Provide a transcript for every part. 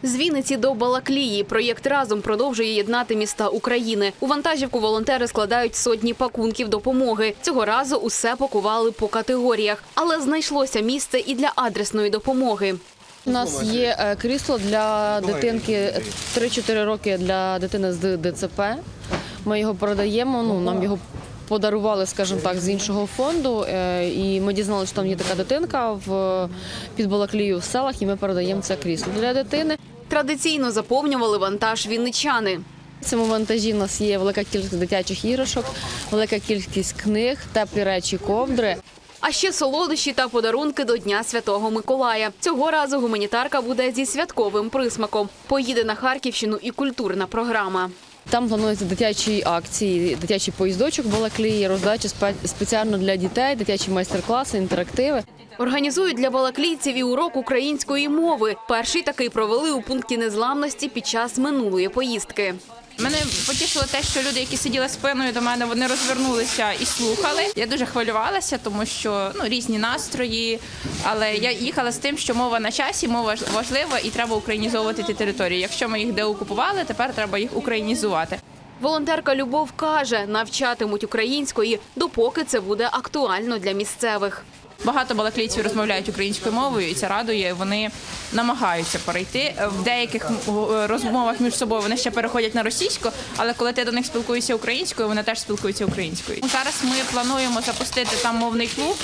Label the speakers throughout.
Speaker 1: З Вінниці до Балаклії проєкт «Разом» продовжує єднати міста України. У вантажівку волонтери складають сотні пакунків допомоги. Цього разу усе пакували по категоріях. Але знайшлося місце і для адресної допомоги.
Speaker 2: У нас є крісло для дитинки 3-4 роки для дитини з ДЦП. Ми його продаємо, нам його подарували, скажімо так, з іншого фонду. І ми дізналися, що там є така дитинка під Балаклією в селах, і ми передаємо це крісло для дитини.
Speaker 1: Традиційно заповнювали вантаж вінничани.
Speaker 2: В цьому вантажі у нас є велика кількість дитячих іграшок, велика кількість книг, теплі речі, ковдри.
Speaker 1: А ще солодощі та подарунки до Дня Святого Миколая. Цього разу гуманітарка буде зі святковим присмаком. Поїде на Харківщину і культурна програма.
Speaker 2: Там плануються дитячі акції, дитячий поїздочок в Балаклії, роздача спеціально для дітей, дитячі майстер-класи, інтерактиви.
Speaker 1: Організують для балаклійців і урок української мови. Перший такий провели у пункті незламності під час минулої поїздки.
Speaker 3: Мене потішило те, що люди, які сиділи спиною до мене, вони розвернулися і слухали. Я дуже хвилювалася, тому що різні настрої, але я їхала з тим, що мова на часі, мова важлива і треба українізовувати ті території. Якщо ми їх деокупували, тепер треба їх українізувати.
Speaker 1: Волонтерка Любов каже, навчатимуть української, допоки це буде актуально для місцевих.
Speaker 3: Багато балаклійців розмовляють українською мовою, і це радує. Вони намагаються перейти. В деяких розмовах між собою вони ще переходять на російську, але коли ти до них спілкуєшся українською, вони теж спілкуються українською. Зараз ми плануємо запустити там мовний клуб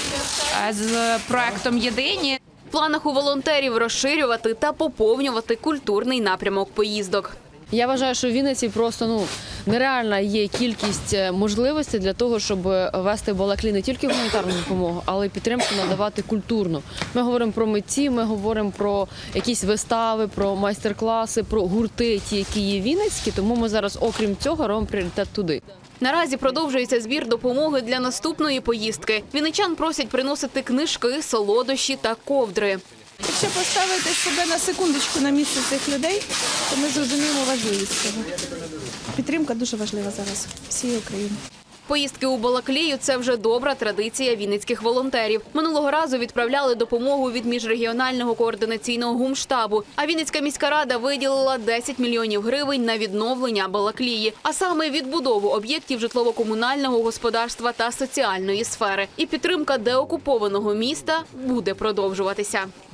Speaker 3: з проектом «Єдині».
Speaker 1: В планах у волонтерів розширювати та поповнювати культурний напрямок поїздок.
Speaker 2: Я вважаю, що в Вінниці просто нереальна є кількість можливостей для того, щоб вести в Балаклію не тільки гуманітарну допомогу, але й підтримку надавати культурну. Ми говоримо про митців, ми говоримо про якісь вистави, про майстер-класи, про гурти, ті, які є вінницькі, тому ми зараз, окрім цього, робимо пріоритет туди.
Speaker 1: Наразі продовжується збір допомоги для наступної поїздки. Вінничан просять приносити книжки, солодощі та ковдри.
Speaker 4: Якщо поставити себе на секундочку на місце цих людей, то ми зрозуміємо важливість цього. Підтримка дуже важлива зараз всієї України.
Speaker 1: Поїздки у Балаклію – це вже добра традиція вінницьких волонтерів. Минулого разу відправляли допомогу від міжрегіонального координаційного гумштабу. А Вінницька міська рада виділила 10 мільйонів гривень на відновлення Балаклії, а саме відбудову об'єктів житлово-комунального господарства та соціальної сфери. І підтримка деокупованого міста буде продовжуватися.